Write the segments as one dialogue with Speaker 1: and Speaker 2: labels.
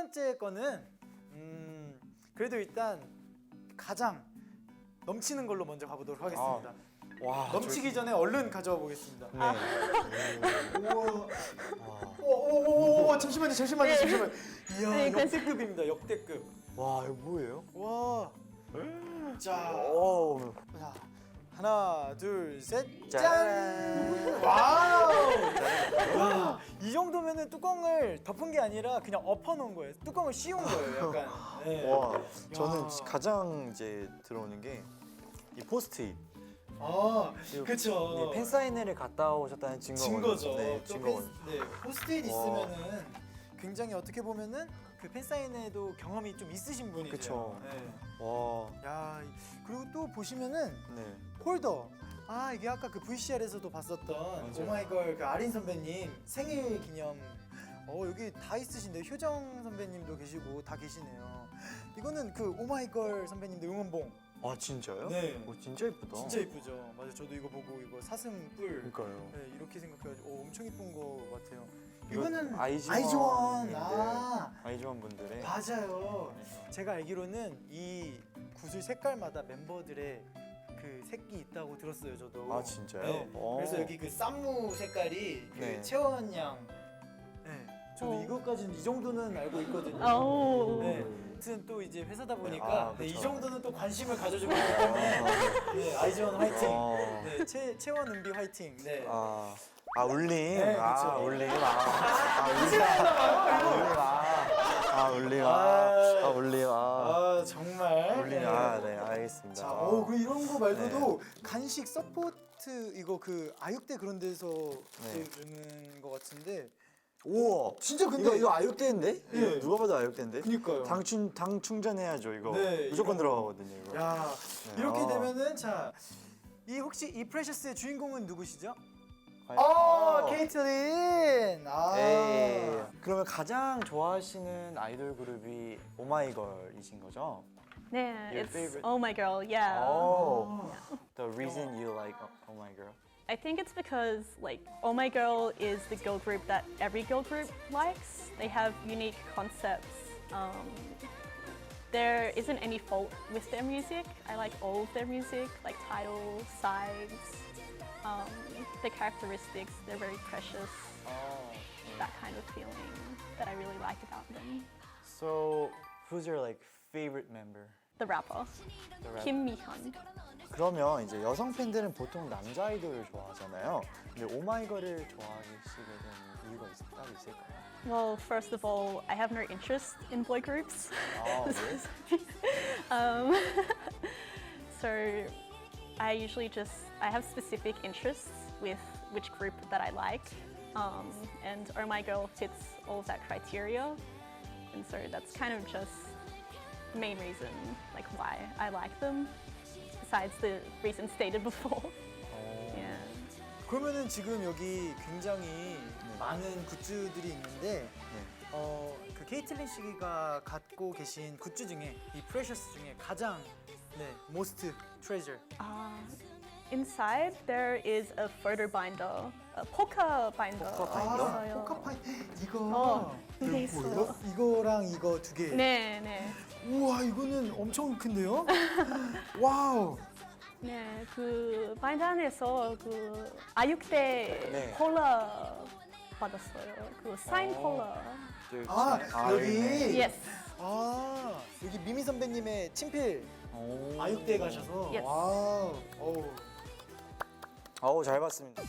Speaker 1: 번째 거는 그래도 일단 가장 넘치는 걸로 먼저 가보도록 하겠습니다.
Speaker 2: 와,
Speaker 1: 넘치기 전에 얼른 가져와 보겠습니다.
Speaker 2: 네.
Speaker 1: 오, 잠시만요. 이야,
Speaker 3: 네,
Speaker 1: 역대급입니다. 역대급.
Speaker 2: 와, 이거 뭐예요?
Speaker 1: 와. 자,
Speaker 2: 오.
Speaker 1: 자, 하나, 둘, 셋, 짠!
Speaker 2: 짠!
Speaker 1: 와우! 와, 이 정도면은 뚜껑을 덮은 게 아니라 그냥 엎어놓은 거예요. 뚜껑을 씌운 거예요, 약간. 네.
Speaker 2: 와, 저는
Speaker 1: 야.
Speaker 2: 가장 이제 들어오는 게 이 포스트잇.
Speaker 1: 아, 그쵸.
Speaker 2: 팬 사인회를 갔다 오셨다는
Speaker 1: 증거죠.
Speaker 2: 네,
Speaker 1: 또
Speaker 2: 증거원.
Speaker 1: 포스트잇
Speaker 2: 와.
Speaker 1: 있으면은 굉장히 어떻게 보면은 그 팬사인회도 경험이 좀 있으신 분이세요.
Speaker 2: 그쵸.
Speaker 1: 네.
Speaker 2: 와,
Speaker 1: 야, 그리고 또 보시면은
Speaker 2: 네.
Speaker 1: 홀더. 아, 이게 아까 그 VCR에서도 봤었던
Speaker 2: 맞아요.
Speaker 1: 오마이걸 그 아린 선배님 생일 기념. 여기 다 있으신데 효정 선배님도 계시고 다 계시네요. 이거는 그 오마이걸 선배님들 응원봉.
Speaker 2: 아, 진짜요?
Speaker 1: 네.
Speaker 2: 오, 진짜 예쁘다.
Speaker 1: 진짜 이쁘죠. 맞아, 저도 이거 보고 이거 사슴 뿔.
Speaker 2: 그러니까요.
Speaker 1: 네, 이렇게 생각해가지고 엄청 이쁜 거 같아요.
Speaker 2: 이거
Speaker 1: 이거는
Speaker 2: 아이즈원.
Speaker 1: 아이즈원
Speaker 2: 분들의.
Speaker 1: 맞아요. 제가 알기로는 이 구슬 색깔마다 멤버들의 그 색이 있다고 들었어요, 저도.
Speaker 2: 아, 진짜요?
Speaker 1: 네.
Speaker 2: 오.
Speaker 1: 그래서 여기 그 쌈무 색깔이 그
Speaker 2: 네.
Speaker 1: 채원 양. 네. 저도
Speaker 3: 어.
Speaker 1: 이것까지는 이 정도는 알고 있거든요.
Speaker 3: 오.
Speaker 1: 네. 아무튼 또 이제 회사다 보니까
Speaker 2: 아,
Speaker 1: 네, 이
Speaker 2: 그쵸.
Speaker 1: 정도는 또 관심을 가져주고 있기 때문에 네, 아이즈원 화이팅.
Speaker 2: 어.
Speaker 1: 네, 채원 은비 화이팅. 네.
Speaker 2: 울림.
Speaker 1: 네, 그쵸.
Speaker 2: 울림. 울림. 울림.
Speaker 1: 정말.
Speaker 2: 울림.
Speaker 1: 네.
Speaker 2: 네, 알겠습니다.
Speaker 1: 자, 그 이런 거 말고도 간식 서포트 이거 그 아육대 그런 데서
Speaker 2: 네.
Speaker 1: 주는 거 같은데.
Speaker 2: 우와,
Speaker 1: 진짜 근데
Speaker 2: 이거 아육대인데?
Speaker 1: 예.
Speaker 2: 이거 누가 봐도 아육대인데?
Speaker 1: 그니까요.
Speaker 2: 당 충전해야죠 이거.
Speaker 1: 네,
Speaker 2: 무조건
Speaker 1: 이거.
Speaker 2: 들어가거든요 이거.
Speaker 1: 야,
Speaker 2: 네.
Speaker 1: 이렇게 되면은 자, 이 혹시 이 프레셔스의 주인공은 누구시죠? 케이틀린.
Speaker 2: 에이. 그러면 가장 좋아하시는 아이돌 그룹이 오마이걸이신 거죠?
Speaker 3: Yeah,
Speaker 2: Your
Speaker 3: it's
Speaker 2: favorite?
Speaker 3: Oh My Girl. Yeah.
Speaker 2: Oh, the reason you like Oh My Girl.
Speaker 3: I think it's because like Oh My Girl is the girl group that every girl group likes. They have unique concepts. There isn't any fault with their music. I like all of their music, like titles, sides, the characteristics. They're very precious. That kind of feeling that I really like about them.
Speaker 2: So, who's your like favorite member?
Speaker 3: The rapper,
Speaker 2: The rap-
Speaker 3: Kim Mi-hyun.
Speaker 2: 그러면 이제 여성 팬들은 보통 남자 아이돌을 좋아하잖아요. 근데 오마이걸을 좋아하시게 된 이유가 따로 있을까요?
Speaker 3: Well, first of all, I have no interest in boy groups.
Speaker 2: 네.
Speaker 3: So I usually I have specific interests with which group that I like. And Oh My Girl fits all of that criteria. And so that's kind of just the main reason like why I like them, besides the reason stated before. Yeah.
Speaker 1: 그러면은 지금 여기 굉장히 많은 굿즈들이 있는데 그 케이틀린 씨가 갖고 계신 굿즈 중에 이 프레셔스 중에 가장 most treasure.
Speaker 3: Inside there is a photo binder, a poker binder. 있어요.
Speaker 1: 포카파이 이거
Speaker 3: 두개 있어요.
Speaker 1: 이거랑 이거 두 개.
Speaker 3: 네, 네.
Speaker 1: 우와, 이거는 엄청 큰데요? 와우.
Speaker 3: 네, 그 바인드 안에서 그 아육대
Speaker 2: 네.
Speaker 3: 콜라 받았어요. 그 사인 콜라.
Speaker 1: 여기.
Speaker 3: Yes.
Speaker 1: 여기 미미 선배님의 친필
Speaker 2: 오.
Speaker 1: 아육대에 가셔서.
Speaker 3: Yes.
Speaker 1: 와우.
Speaker 2: 어우, 잘 봤습니다.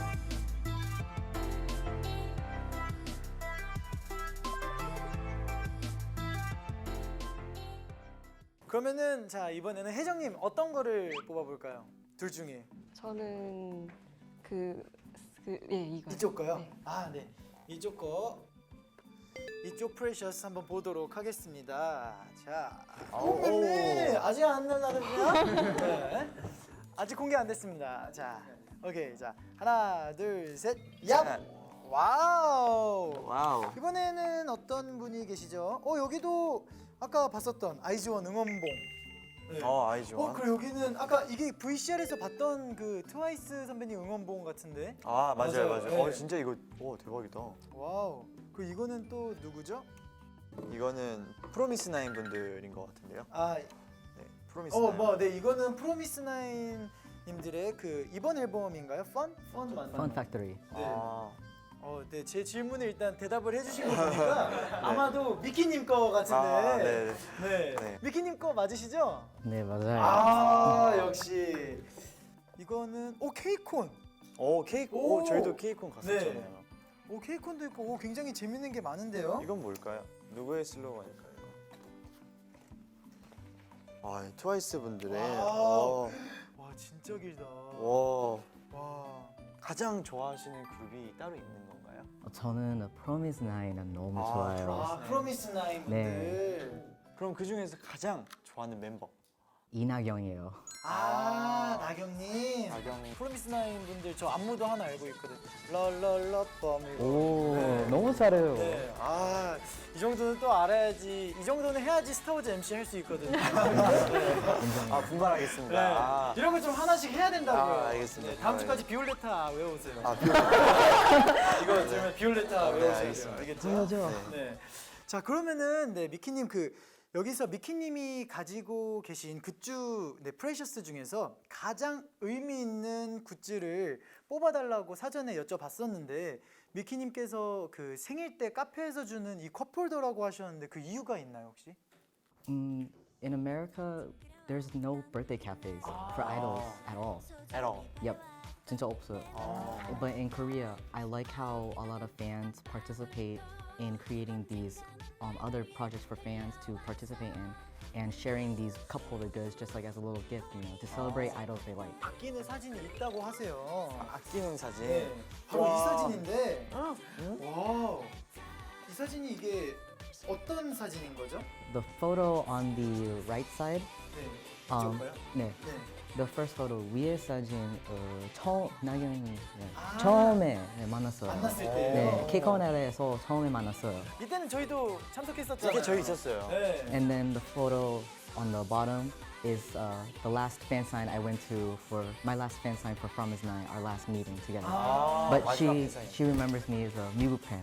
Speaker 1: 그러면은 자, 이번에는 혜정님 어떤 거를 뽑아볼까요? 둘 중에.
Speaker 4: 저는 이거.
Speaker 1: 이쪽 거요?
Speaker 4: 네.
Speaker 1: 네. 이쪽 거. 이쪽 프레셔스 한번 보도록 하겠습니다. 자. 네. 아직 안 날라갔나요? 네. 아직 공개 안 됐습니다. 자. 오케이. 자. 하나, 둘, 셋. 얍! 와우!
Speaker 2: 와우.
Speaker 1: 이번에는 어떤 분이 계시죠? 여기도 아까 봤었던 아이즈원 응원봉. 네.
Speaker 2: 아이즈원.
Speaker 1: 그리고 여기는 아까 이게 VCR에서 봤던 그 트와이스 선배님 응원봉 같은데.
Speaker 2: 맞아요.
Speaker 1: 맞아요. 네.
Speaker 2: 진짜 이거 대박이다.
Speaker 1: 와우. 그 이거는 또 누구죠?
Speaker 2: 이거는 프로미스 나인 분들인 것 같은데요.
Speaker 1: 아,
Speaker 2: 네, 프로미스 나인.
Speaker 1: 네, 이거는 프로미스 나인 님들의 그 이번 앨범인가요? 펀 맞나요?
Speaker 4: Fun Factory.
Speaker 1: 네.
Speaker 2: 아,
Speaker 1: 네, 제 질문에 일단 대답을 해주신 거 보니까 아마도 미키님 거 같은데.
Speaker 2: 아, 네.
Speaker 1: 네.
Speaker 2: 네.
Speaker 1: 미키님 거 맞으시죠?
Speaker 4: 네, 맞아요.
Speaker 1: 아, 역시. 이거는 케이콘.
Speaker 2: 케이크.
Speaker 1: 오!
Speaker 2: 저희도 케이콘 갔었잖아요.
Speaker 1: 케이콘도 있고 굉장히 재밌는 게 많은데요.
Speaker 2: 이건 뭘까요? 누구의 슬로건일까요? 아, 트와이스 분들의.
Speaker 1: 와우. 와, 진짜 길다.
Speaker 2: 와.
Speaker 1: 와.
Speaker 2: 가장 좋아하시는 그룹이 따로 있는 건가요?
Speaker 4: 저는 Promise Nine은 너무
Speaker 2: 아,
Speaker 4: 좋아요.
Speaker 1: 프로미스 나인 분들.
Speaker 2: 그럼 그 중에서 가장 좋아하는 멤버.
Speaker 4: 이나경이에요.
Speaker 1: 나경님.
Speaker 2: 나경.
Speaker 1: 프로미스 나인 분들 저 안무도 하나 알고 있거든. 럴럴러 뻔.
Speaker 4: 오,
Speaker 1: 네.
Speaker 4: 너무 잘해요.
Speaker 1: 네. 이 정도는 또 알아야지. 이 정도는 해야지 스타워즈 MC 할 수 있거든요.
Speaker 2: 분발하겠습니다.
Speaker 1: 네.
Speaker 2: 아,
Speaker 1: 이런 거 좀 하나씩 해야 된다고요.
Speaker 2: 알겠습니다.
Speaker 1: 네, 다음 주까지 비올레타 외우세요. 이거 들으면 비올레타
Speaker 2: 네,
Speaker 1: 외우셔야 돼요.
Speaker 2: 알겠습니다.
Speaker 1: 알겠죠?
Speaker 4: 당연하죠.
Speaker 1: 네. 자, 그러면은 미키님 여기서 미키님이 가지고 계신 굿즈, 프레셔스 중에서 가장 의미 있는 굿즈를 뽑아달라고 사전에 여쭤봤었는데 미키님께서 그 생일 때 카페에서 주는 이 컵홀더라고 하셨는데 그 이유가 있나요 혹시?
Speaker 4: In America, there's no birthday cafes for idols at all.
Speaker 2: at all.
Speaker 4: Yep, 진짜 없어요. But in Korea, I like how a lot of fans participate in creating these other projects for fans to participate in and sharing these cup holder goods just like as a little gift, to celebrate idols they like.
Speaker 1: 아끼는 사진이 있다고 하세요.
Speaker 2: 아끼는 사진.
Speaker 1: 네, 바로
Speaker 2: 와.
Speaker 1: 이 사진인데, 와, 이 사진이 이게 어떤 사진인 거죠?
Speaker 4: The photo on the right side,
Speaker 1: 네,
Speaker 4: um,
Speaker 1: 이쪽가요?
Speaker 4: 네,
Speaker 1: 네.
Speaker 4: the first photo 위에 사진 나경이
Speaker 1: 아.
Speaker 4: 처음에 만났어요.
Speaker 1: 만났을 때.
Speaker 4: 네, 케이콘에서 처음에 만났어요.
Speaker 1: 이때는 저희도 참석했었잖아요.
Speaker 2: 이게 저희 있었어요.
Speaker 1: 네.
Speaker 4: And then the photo on the bottom is the last fan sign I went to for my last fan sign for Promise Nine, our last meeting together. But
Speaker 2: 마지막 팬사인.
Speaker 4: she remembers me as a 미국 fan.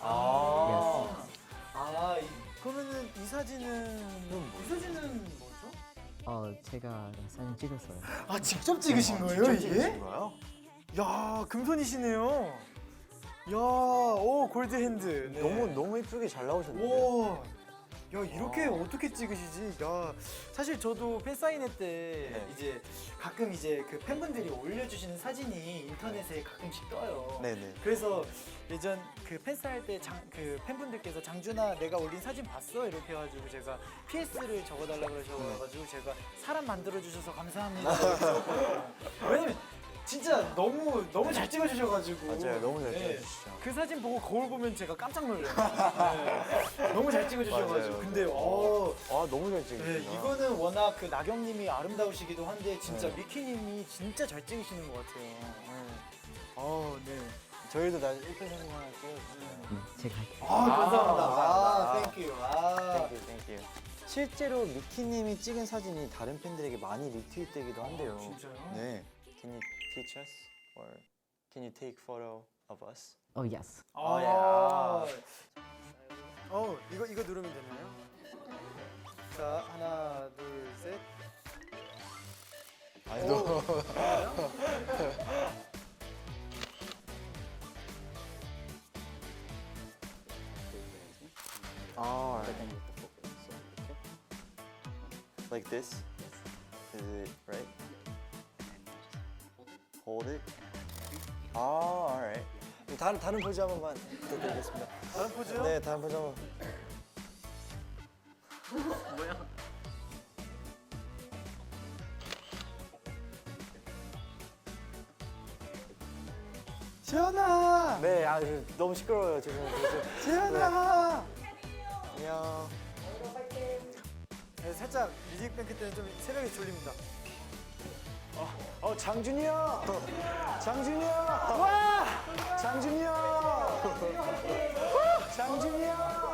Speaker 1: 그러면은 이 사진은 뭐죠?
Speaker 4: 제가 사진 찍었어요.
Speaker 1: 직접 찍으신 거예요
Speaker 2: 직접
Speaker 1: 이게?
Speaker 2: 찍으신 거예요?
Speaker 1: 야, 금손이시네요. 야, 오 골드 핸드. 네.
Speaker 2: 너무 예쁘게 잘 나오셨는데.
Speaker 1: 오, 야 이렇게 어떻게 찍으시지? 야, 사실 저도 팬 사인회 때
Speaker 2: 네.
Speaker 1: 이제 가끔 이제 그 팬분들이 올려주시는 사진이 인터넷에 가끔씩 떠요.
Speaker 2: 네네.
Speaker 1: 그래서 예전 그 팬사인회 때 그 팬분들께서 장준아 내가 올린 사진 봤어? 이렇게 해가지고 제가 PS를 적어달라 그러셔가지고 제가 사람 만들어 주셔서 감사합니다. 이렇게 적었거든요. 왜냐면 진짜 너무 잘 찍어주셔가지고.
Speaker 2: 맞아요, 너무 잘
Speaker 1: 네.
Speaker 2: 찍어주시죠.
Speaker 1: 그 사진 보고 거울 보면 제가 깜짝 놀래요. 네. 너무 잘 찍어주셔가지고.
Speaker 2: 맞아요.
Speaker 1: 근데
Speaker 2: 너무 잘 찍으시다.
Speaker 1: 네, 이거는 워낙 그 나경님이 아름다우시기도 한데 진짜
Speaker 2: 네.
Speaker 1: 미키님이 진짜 잘 찍으시는 것 같아요. 네.
Speaker 2: 저희도 나중에 1편 사진 하나 찍어주세요.
Speaker 4: 제가 할게요.
Speaker 1: 감사합니다. 땡큐.
Speaker 2: 땡큐. 실제로 미키님이 찍은 사진이 다른 팬들에게 많이 리트윗되기도 한대요.
Speaker 1: 진짜요?
Speaker 2: 네. Can you teach us or can you take photo of us?
Speaker 4: Oh yes.
Speaker 1: 이거 누르면 되나요? 자, 하나, 둘, 셋.
Speaker 2: 아니 너. Like this? Is it right? Hold it. alright. 다른 포즈 한 번만 부탁드리겠습니다.
Speaker 1: 다른 포즈요?
Speaker 2: 네, 다른 포즈 한 번.
Speaker 1: 재현아!
Speaker 2: 네, 너무 시끄러워요 죄송해요.
Speaker 1: 재현아!
Speaker 2: 안녕.
Speaker 1: 네, 살짝 뮤직뱅크 때는 좀 새벽에 졸립니다.
Speaker 2: 장준이 형! 장준이 형! 와! 장준이 형! 장준이 형!